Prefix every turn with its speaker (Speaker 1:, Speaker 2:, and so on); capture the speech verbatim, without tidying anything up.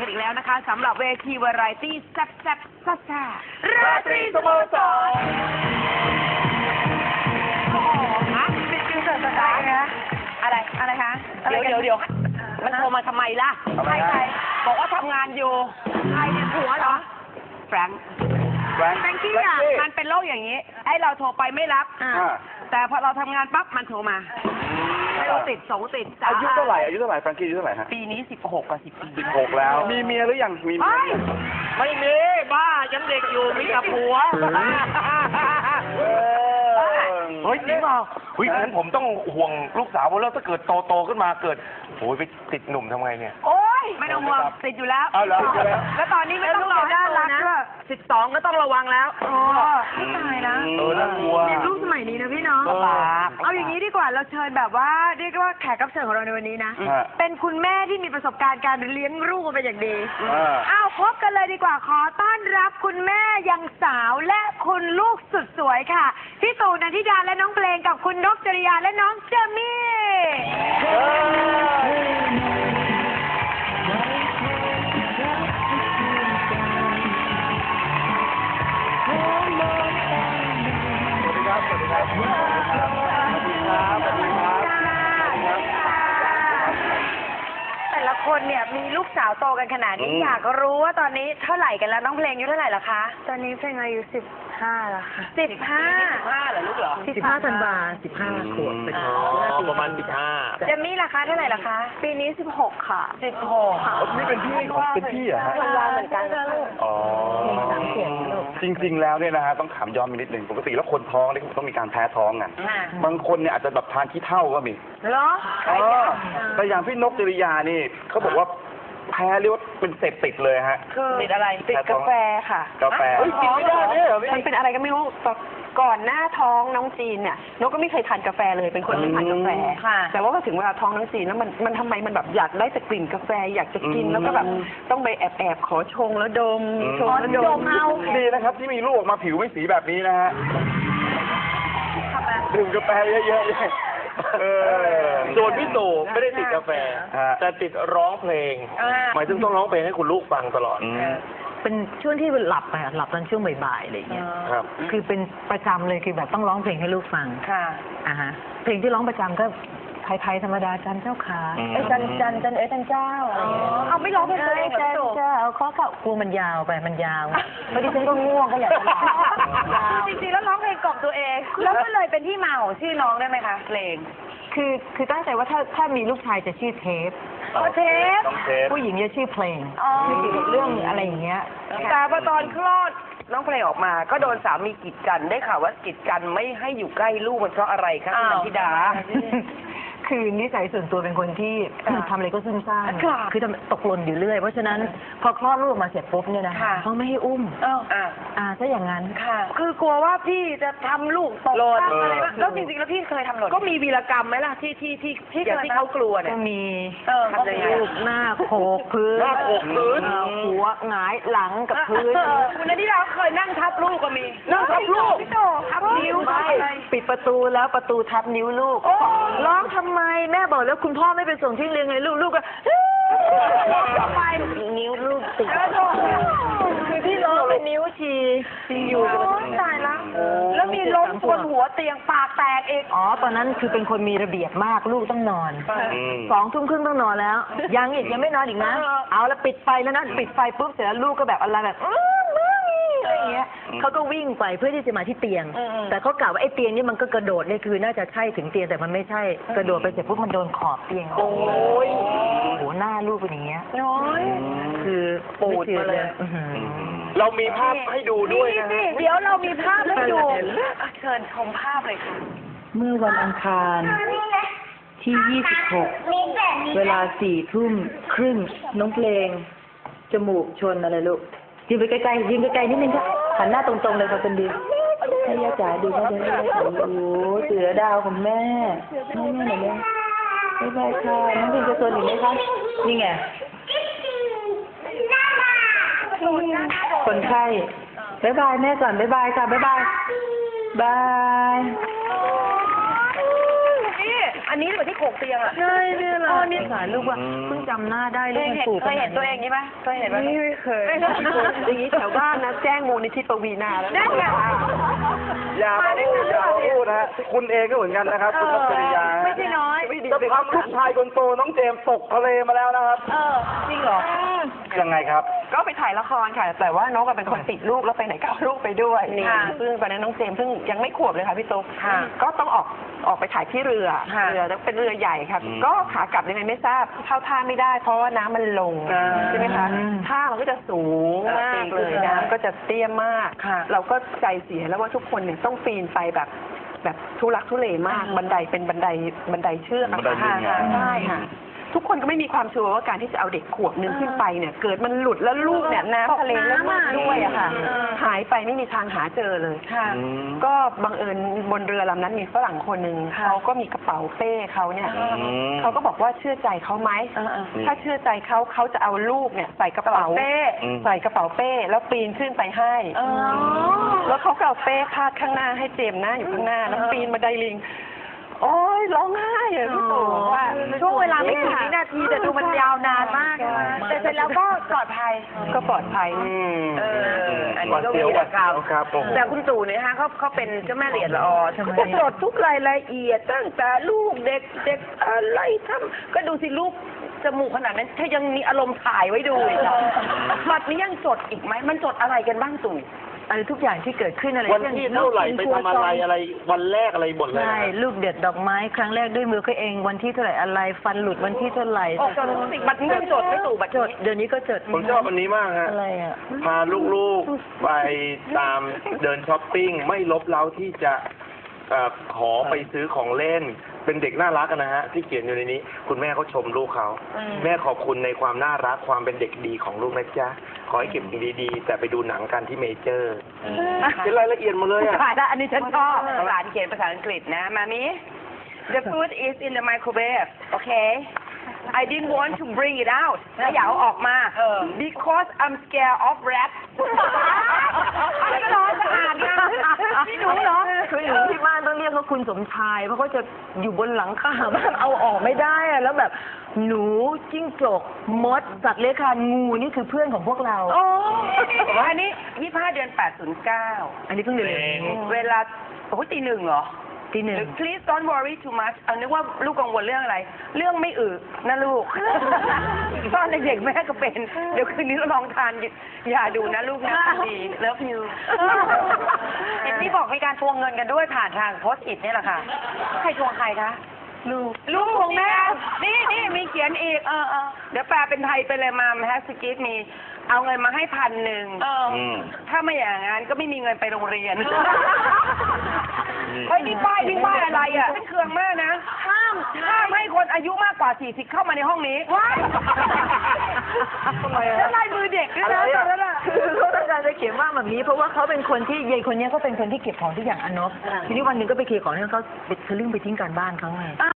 Speaker 1: กันอีกแล้วนะคะสำหรับเวทีวาไรตี้แซ่บแซ่บซ่าซ่าราตรีสโมสรโอ้โหฮะเป็นคิวเสิร์ฟสไตล์นะอะไรอะไรคะเดี๋ยวเดี๋ยวเดี๋ยวมันโทรมาทำไมล่ะใครใครบอกว่าทำงานอยู่ใครเป็นผัวเหรอแฟรงค์แฟรงกี้อ่ะมันเป็นโรคอย่างนี้ให้เราโทรไปไม่รับแต่พอเราทำงานปั๊บมันโทรมาไม่รู้ติดสองติดอา
Speaker 2: ยุเท่าไหร่อายุเท่าไหร่แฟรงกี้อายุเท่าไหร่ฮะ
Speaker 1: ปีนี้สิบหกกับสิบปี
Speaker 2: สิบหกแล้วมีเมียหรือยังมีเมีย
Speaker 1: ไม่มีบ้ายังเด็กอยู่มีแต่ผัว
Speaker 3: เฮ้ยจริงเปล่าเฮ้ยงั้นผมต้องห่วงลูกสาวเพราะแล้วถ้าเกิดโตโตขึ้นมาเกิดโอ้ยไปติดหนุ่มทำไงเนี่ย
Speaker 1: โอ้ยไม่ต้องห่วงติดอยู่แล้ว
Speaker 2: เอาแล้ว
Speaker 1: แล้วตอนนี้ไม่ต้องรอด้านรักด้วยสิบสองก็ต้องระวังแล้วโอ้ไม่ตายนะ
Speaker 3: เออน่ากลัว
Speaker 1: เด็กลูกสมัยนี้นะพี่น้องเอาอย่างนี้ดีกว่าเราเชิญแบบว่าเรียกว่าแขกรับเชิญของเราในวันนี้นะเป็นคุณแม่ที่มีประสบการณ์การเลี้ยงลูกมาเป็นอย่างดีอ้าวพบกันเลยดีกว่าขอต้อนรับคุณแม่ยังสาวและคุณลูกสุดสวยค่ะพี่ตู่นันทิดาและน้องเพลงกับคุณนกจริยาและน้องเจมี่แต่ละคนเนี่ยมีลูกสาวโตกันขนาดนี้อยากรู้ว่าตอนนี้เท่าไหร่กันแล้วน้องเพลงอายุเท่าไหร่ละคะ
Speaker 4: ตอนนี้เพลงอายุสิบห้าแล้วค่ะ
Speaker 1: สิบห้าสิบห้าเหรอลูกเหรอ
Speaker 4: สิบห้าธันวาสิบห้าขวบเป็น
Speaker 3: ประมาณสิบห้า
Speaker 1: เจมี่ล่ะคะเท่าไหร่ล่ะคะ
Speaker 4: ปีนี้สิบหกค่ะ
Speaker 1: สิบหก
Speaker 2: นี่เป็นพี่ของเป็นพี่เหรอฮะ
Speaker 4: ธันวาเหมือนกัน
Speaker 2: อ๋อจริงๆแล้วเนี่ยนะฮะต้องถามย้อนไปนิดนึงปกติแล้วคนท้องเนี่ยต้องมีการแพ้ท้องกันบางคนเนี่ยอาจจะแบบทานขี้เถ้าก็มี
Speaker 1: เหรอ
Speaker 2: แต่อย่างพี่นกจริยานี่เขาบอกว่าแพ้เรียกว่าเป็นเสพติดเลยฮะ
Speaker 1: ติดอะไร
Speaker 4: ติดกาแฟค่ะ
Speaker 2: กาแฟ
Speaker 4: กินไม่ได้เนี่ยมันเป็นอะไรก็ไม่รู้ก่อนหน้าท้องน้องจีนเนี่ยนกก็ไม่เคยทานกาแฟเลยเป็นคนไม่ทานกาแฟแต่ว่าพอถึงเวลาท้องน้องจีนแล้วมันมันทำไมมันแบบอยากได้แต่กลิ่นกาแฟอยากจะกินแล้วก็แบบต้องไปแอบแอบขอชงแล้วดมชงแล้วดมเอา
Speaker 2: ดีนะครับที่มีลูกออกมาผิวไม่สีแบบนี้นะฮะดื่มกาแฟเยอะๆ
Speaker 3: ส่วนพี่ตู่ไม่ได้ติดกาแฟแต่ติดร้องเพลงหมายถึงต้องร้องเพลงให้คุณลูกฟังตลอด
Speaker 4: เป็นช่วงที่หลับไปหลับตอนช่วงบ่ายๆอะไรอย่างเงี้ย
Speaker 2: ครับ
Speaker 4: คือเป็นประจำเลยคือแบบต้องร้องเพลงให้ลูกฟัง
Speaker 1: ค่ะ
Speaker 4: อ่าฮะเพลงที่ร้องประจำก็ไทยๆธรรมดาจันเจ้าขาไอ้จันจันจันเอ้ยจันเจ้า
Speaker 1: เอาไม่ร้องเพลงตัวเองเหรอ
Speaker 4: จันเจ้าขอเข่ากลัวมันยาวไปมันยาวพอดีฉันก็ง่วงก็อยากจะร้อง
Speaker 1: จริงๆแล้วร้องเพลงกล่อมตัวเองแล้วก็เลยเป็นที่มาของชื่อน้องได้ไหมคะเพลง
Speaker 4: คือคือตั้งใจว่าถ้าถ้ามีลูกชายจะชื่อเทป
Speaker 1: เทป
Speaker 4: ผู้หญิงจะชื่อเพลงเกี่ยวกับเรื่องอะไรอย่างเงี้ย
Speaker 1: แต่พอตอนคลอดน้องเพลงออกมาก็โดนสามีกีดกันได้ข่าวว่ากีดกันไม่ให้อยู่ใกล้ลูกมันเพราะอะไรคะคุณนันทิดา
Speaker 4: คือนิสัยส่วนตัวเป็นคนที่ทำอะไรก็ซุ่มซ่ามคือตกหล่นอยู่เรื่อยเพราะฉะนั้นพอคลอดลูกมาเสร็จปุ๊บเนี่ยนะเขาไม่ให้อุ้ม
Speaker 1: อ่า
Speaker 4: อ่าถ้าอย่างนั้น
Speaker 1: ค่ะคือกลัวว่าพี่จะทำลูกตกหล่นอะไรบ้างแล้วจริงๆแล้วพี่เคยทำหล่นก็มีวีรกรรมไหมล่ะที่ที่ที่ที่ที่เขากลัวเนี่ย
Speaker 4: ก็มี
Speaker 1: ทำยังไง
Speaker 4: ลูกหน้าโขกพื้น
Speaker 3: หน้าโขกพื้น
Speaker 4: หัวหงายหลังกับพื้น
Speaker 1: คุณนันทิดาเคยนั่งทับลูกก็มี
Speaker 3: นั่งทับลูก
Speaker 1: ทับนิ้ว
Speaker 4: ปิดประตูแล้วประตูทับนิ้วลูกร้องทำไมแม่บอกแล้วคุณพ่อไม่ไปส่งที่เรียนไงลูกลูกก็ทำไมนิ้วลูกติดคือที่ร้องเป็นนิ้วชีชีอยู่
Speaker 1: ตายแล้วแล้วมีล้มบนหัวเตียงปากแตกเอง
Speaker 4: อ๋อตอนนั้นคือเป็นคนมีระเบียบมากลูกต้องนอนสองทุ่มครึ่งต้องนอนแล้วยังอีกยังไม่นอนอีกนะเอาแล้วปิดไฟแล้วนะปิดไฟปุ๊บเสร็จแล้วลูกก็แบบอะไรแบบอะไรอย่างเงี้ยเขาก็วิ่งไปเพื่อที่จะมาที่เตียงแต่เขากล่าวว่าไอ้เตียงนี่มันก็กระโดดเนี่ยคือน่าจะใช่ถึงเตียงแต่มันไม่ใช่กระโดดไปเสร็จปุ๊บมันโดนขอบเตียง
Speaker 1: โอ้ย
Speaker 4: โหหน้าลูกเป็นอย่างเงี้ย
Speaker 1: น้อย
Speaker 4: คือปูดมาเลย
Speaker 3: เรามีภาพให้ดูด้วยนะ
Speaker 1: เดี๋ยวเรามีภาพให้ดูเชิญชมภาพเลยค่ะ
Speaker 4: เมื่อวันอังคารที่ยี่สิบหกเวลาสี่ทุ่มครึ่งน้องเพลงจมูกชนอะไรลูกยืนไปไกลๆยืนไกลๆนิดนึงค่ะหันหน้าตรงๆเลยค่ะคนดีให้ย่าจ๋าดูเขาจะได้โอ้โหเสือดาวของแม่แม่แม่หน่อยแม่บ๊ายบายค่ะน้องเพลงจะชนอีกไหมคะนี่ไงคนไข้บ๊ายบายแม่ก่อนบ๊ายบายค่ะบ๊ายบายบาย
Speaker 1: นี่อันนี้เหมือนที่โขกเตียงอ่ะ
Speaker 4: ใช่เนี่ยแหละนี่สารลูกว่าเพิ่งจำหน้าได้ลูกมันสูบ
Speaker 1: เคยเห็นตัวเองนี้ไหมเคยเห็นไหม
Speaker 4: ไม่เคย
Speaker 1: อย่างนี้แถวบ้านนะแจ้งมูลนิธิปวีนาแล้ว
Speaker 4: ได้ไง
Speaker 2: อย่ามาพูดอย่ามาพูดนะฮะคุณเองก็เหมือนกันนะครับคุณพัชริยา
Speaker 4: ไม่ใช่น้อย
Speaker 2: จะทำลูกชายคนโตน้องเจมส์ตกทะเลมาแล้วนะครับ
Speaker 1: เออจริงเหรอ
Speaker 2: ยังไงครับ
Speaker 1: ก็ไปถ่ายละครค่ะ แต่ว่านกเป็นคนติดลูกแล้วไปไหนก็เอาลูกไปด้วยนี่ซึ่งตอนนั้นน้องเจมส์เพิ่งยังไม่ขวบเลยค่ะพี่ตุ๊กก็ต้องออกออกไปถ่ายที่เรือเรือเป็นเรือใหญ่ค่ะ
Speaker 2: อืม
Speaker 1: ก็ขากลับยังไงไม่ทราบเข้าท่าไม่ได้เพราะว่าน้ำมันลงใช่ไหมคะท่ามันก็จะสูงมากเลยน้ำก็จะเตี้ยมากเราก็ใจเสียแล้วว่าทุกคนเนี่ยต้องปีนไปแบบแบบทุลักทุเลมากบันไดเป็นบันไดบันไดเชือกอะ
Speaker 2: บันไดลิงอะ
Speaker 1: ใช่ค่ะ ทุกคนก็ไม่มีความชัวร์ว่าการที่จะเอาเด็กขวบหนึ่งขึ้นไปเนี่ย เกิดมันหลุดแล้วลูกเนี่ยน้ำทะเลแล้วลูกด้วยอะค่ะ หายไปไม่มีทางหาเจอเลย
Speaker 2: อืม
Speaker 1: ก็บังเอิญบนเรือลำนั้นมีฝรั่งคนหนึ่งเขาก็มีกระเป๋าเป้เขาเนี่ย
Speaker 2: อืม
Speaker 1: เขาก็บอกว่าเชื่อใจเขาไหมถ้าเชื่อใจเขาเขาจะเอาลูกเนี่ยใส่กระเป๋าเป้
Speaker 2: อืม
Speaker 1: ใส่กระเป๋าเป้แล้วปีนขึ้นไปให้แล้วเขาก็เอาเป้พาดข้างหน้าให้เจมส์หน้าอยู่ข้างหน้าแล้วปีนบันไดลิงโอ้ยร้องไห้อะพี่ตู่ว่า
Speaker 4: ช่วงเวลาไม่กี่วินาทีแต่ดูมันยาวนานมากแต่เสร็จแล้วก็ปลอดภัย
Speaker 1: ก็ปลอดภัย
Speaker 2: อืม
Speaker 1: เอออันนี้
Speaker 2: หวัด
Speaker 1: ก็
Speaker 2: เสียว
Speaker 1: มี
Speaker 2: หวัด
Speaker 1: ข่าว
Speaker 2: เสียวครับโอ้โห
Speaker 1: แต่คุณตู่เนี่ยฮะเขาเขาเป็นเจ้าแม่เหรียญละออเขาจะจดทุกรายละเอียดตั้งแต่ลูกเด็กเด็กอะไรทำก็ดูสิลูกจมูกขนาดนั้นถ้ายังมีอารมณ์ถ่ายไว้ดูอีกอะบัดนี้ยังจดอีกไหมมันจดอะไรกันบ้างตู่
Speaker 4: อะไรทุกอย่างที่เกิดขึ้นอะไร
Speaker 5: วันที่เท่าไหร่ไปทำอะไรอะไรวันแรกอะไรหมดเลย
Speaker 4: ใช่ลูกเด็ดดอกไม้ครั้งแรกด้วยมือเขาเองวันที่เท่าไหร่อะไรฟันหลุดวันที่เท่าไหร่
Speaker 1: โอ้จดบัดนี้ยังจดไม่ตู่บัด
Speaker 4: จ
Speaker 1: นี้
Speaker 4: ดเดี๋ยวนี้ก็จด
Speaker 5: ผมชอบอันนี้มากฮะ
Speaker 4: อะไรอ่ะ
Speaker 5: พาลูกๆไปตามเดินช้อปปิ้งไม่ลบเล้าที่จะเอ่อขอไปซื้อของเล่น เป็นเด็กน่ารักอะนะฮะ ที่เขียนอยู่ในนี้ คุณแม่เขาชมลูกเขาแม่ขอบคุณในความน่ารักความเป็นเด็กดีของลูกนะจ๊ะขอให้เก็บสิ่งดีๆ แต่ไปดูหนังกันที่เมเจอร์เป็นรายละเอียดหมาเลยอะ
Speaker 1: ถ่ายแล้วอันนี้ฉันชอบหลานเขียนภาษาอังกฤษนะมามิ The food is in the microwave okay I didn't want to bring it out แล้วอย่าเอาออกมา because I'm scared of rats ไม่ร้อนสะอาดนะนี่หนูเหรอ
Speaker 4: คือหนูที่บ้านต้องเรียกเขาคุณสมชายเพราะเขาจะอยู่บนหลังคาบ้านเอาออกไม่ได้อะแล้วแบบหนูจิ้งจกมดสัตว์เลื้อยคลานงูนี่คือเพื่อนของพวกเรา
Speaker 1: โอ้อันนี้ยี่สิบห้าเดือนแปดศูนย์เก้า
Speaker 4: อันนี้เพิ่งเรียน
Speaker 1: เวลาโอ้ยตีหนึ่งเหรอ
Speaker 4: ที่หนึ่ง
Speaker 1: Please don't worry too much เอานึกว่าลูกกังวลเรื่องอะไร เรื่องไม่อึนะลูก ตอนเด็กๆแม่ก็เป็น เดี๋ยวคืนนี้เราลองทานยาดูนะลูกนะดี Love you เห็นที่บอกมีการทวงเงินกันด้วยผ่านทางโพสต์อิทนี่แหละค่ะ ใครทวงใครคะ ลูก ลูกของแม่ นี่นี่มีเขียนอีก เออเออเดี๋ยวแปลเป็นไทยไปเลยมาแฮสกิทมี เอาเงินมาให้พันหนึ่ง
Speaker 2: อืม
Speaker 1: ถ้าไม่อย่างนั้นก็ไม่มีเงินไปโรงเรียน เฮ้ยนี่ป้ายนี่ป้ายอะไรอ่ะฉันเคืองมากนะ ห้ามห้ามให้คนอายุมากกว่าสี่สิบเข้ามาในห้องนี้ว้ายทำไมอ่ะแล้วลายมือเด็กด้วยนะตอนนั้นอ่ะ
Speaker 4: คือเขาต้องการจะเขียนว่าแบบนี้เพราะว่าเขาเป็นคนที่ยายคนเนี้ยเขาเป็นคนที่เก็บของทุกอย่างอนนบทีนี้วันหนึ่งก็ไปเคลียร์ของให้เขาไปทะลึ่งไปทิ้งการบ้านเขาไง